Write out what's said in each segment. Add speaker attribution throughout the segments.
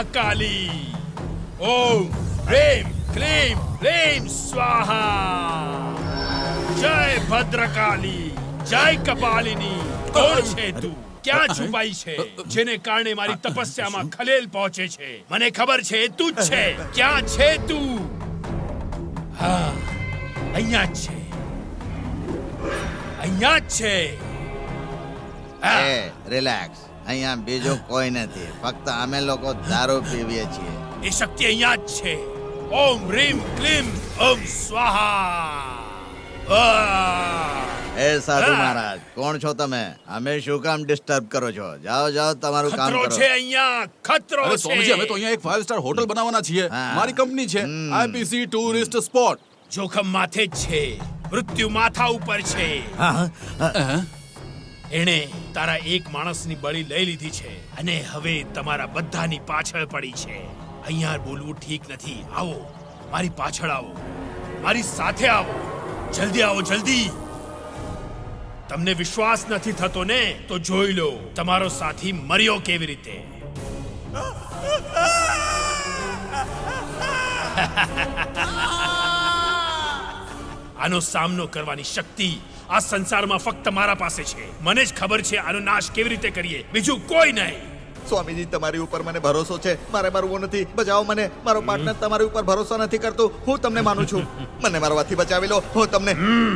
Speaker 1: महाकाली। ओम ह्रीं क्लीं ह्रीं स्वाहा। जय भद्रकाली, जय कपालिनी। કોણ છે તું? ક્યાં છુપાઈ છે જેને કારણે મારી તપસ્યામાં ખલેલ પહોંચે છે? મને ખબર છે તું જ છે. ક્યાં છે તું? હા, અહીંયા જ છે, અહીંયા જ છે.
Speaker 2: એ રિલેક્સ, અહીંયા બીજો કોઈ નથી, ફક્ત અમે લોકો દારૂ પીવીએ છીએ.
Speaker 1: એ શક્તિ અહીંયા જ છે. ઓમ હ્રીમ ક્લીમ ઓમ સ્વાહા.
Speaker 2: એ સાધુ મહારાજ, કોણ છો તમે? અમે શું કામ ડિસ્ટર્બ કરો છો? જાઓ જાઓ, તમારું કામ
Speaker 1: ખતરો
Speaker 2: કરો.
Speaker 1: છે અહીંયા, ખતરો છે.
Speaker 3: સ્વામીજી, અમે તો અહીંયા એક 5 સ્ટાર હોટલ બનાવવાના છીએ.
Speaker 2: હા.
Speaker 3: મારી કંપની છે આઈપીસી ટુરિસ્ટ સ્પોટ.
Speaker 1: જોખમ માથે જ છે, મૃત્યુ માથા ઉપર છે. એણે તારા એક માણસની બળી લઈ લીધી છે અને હવે તમારા બધાની પાછળ પડી છે. અહીંયા બોલવું ઠીક નથી. આવો, મારી પાછળ આવો, મારી સાથે આવો. જલ્દી આવો, જલ્દી. તમને વિશ્વાસ નથી થતો ને? તો જોઈ લો તમારો સાથી મર્યો કેવી રીતે. આનો સામનો કરવાની શક્તિ આ સંસારમાં ફક્ત મારા પાસે છે. મને જ ખબર છે આનો નાશ કેવી રીતે કરીએ, બીજું કોઈ નહીં.
Speaker 2: સ્વામીજી, તમારી ઉપર મને ભરોસો છે. મારે મરવું નથી, બચાવો મને. મારો પાર્ટનર તમારી ઉપર ભરોસો નથી કરતો. હું તમને માનું છું. મને મારવાથી બચાવી લો. હું તમને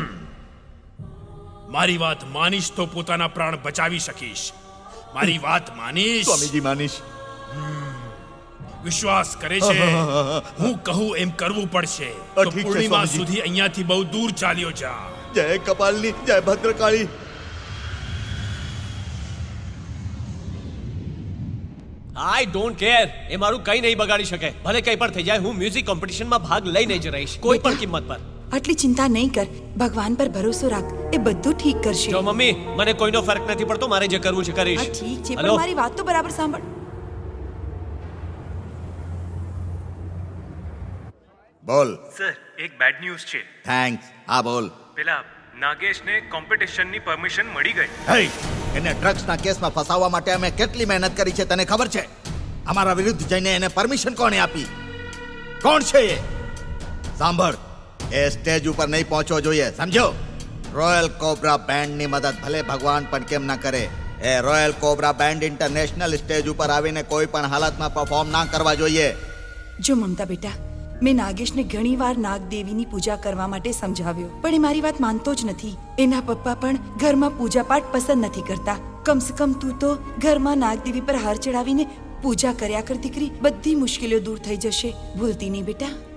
Speaker 1: મારી વાત માનીશ તો પોતાના પ્રાણ બચાવી શકીશ. મારી વાત માનીશ?
Speaker 2: સ્વામીજી માનીશ.
Speaker 1: વિશ્વાસ કરે છે? હું કહું એમ કરવું પડશે. તો
Speaker 2: ઠીક છે,
Speaker 1: પૂર્ણિમા
Speaker 2: સ્વામીજી.
Speaker 1: સુધી અહીંયાથી બહુ દૂર ચાલ્યો જા.
Speaker 2: જય કપાલની, જય ભદ્રકાળી.
Speaker 4: I don't care. એ મારું કંઈ નહીં બગાડી શકે. ભલે કંઈ પણ થઈ જાય, હું મ્યુઝિક કોમ્પિટિશનમાં ભાગ લઈને જ રહીશ, કોઈ પણ કિંમત પર.
Speaker 5: આટલી ચિંતા નહીં કર. ભગવાન પર ભરોસો રાખ, એ બધું ઠીક કરશે.
Speaker 4: જો મમ્મી, મને કોઈનો ફરક નથી પડતો. મારે જે કરવું છે કરીશ.
Speaker 5: હા ઠીક છે,
Speaker 4: હલો?
Speaker 5: પણ મારી વાત તો બરાબર સાંભળ.
Speaker 2: બોલ.
Speaker 6: સર, એક બેડ ન્યૂઝ છે.
Speaker 2: થેન્ક્સ. હા બોલ.
Speaker 6: પેલા નાગેશને કોમ્પિટિશનની પરમિશન મળી ગઈ.
Speaker 2: હે, એને ડ્રગ્સના કેસમાં ફસાવવા માટે અમે કેટલી મહેનત કરી છે તને ખબર છે? અમારા વિરુદ્ધ જઈને એને પરમિશન કોણે આપી? કોણ છે એ? સાંભળ, એ સ્ટેજ ઉપર નહીં પહોંચવો જોઈએ, સમજો? રોયલ કોબ્રા બેન્ડની મદદ ભલે ભગવાન પણ કેમ ના કરે, એ royal cobra band international stage ઉપર આવીને કોઈ પણ હાલતમાં પરફોર્મ ના કરવા જોઈએ.
Speaker 5: જો મમતા બેટા, મેં નાગેશને ઘણીવાર નાગદેવીની પૂજા કરવા માટે સમજાવ્યો, પણ એ મારી વાત માનતો જ નથી. એના પપ્પા પણ ઘરમાં પૂજાપાઠ પસંદ નથી કરતા. કમસે કમ તું તો ઘરમાં નાગદેવી પર હાર ચડાવીને પૂજા કર્યા કર દીકરી. બધી મુશ્કેલીઓ દૂર થઈ જશે. ભૂલતી નહીં બેટા.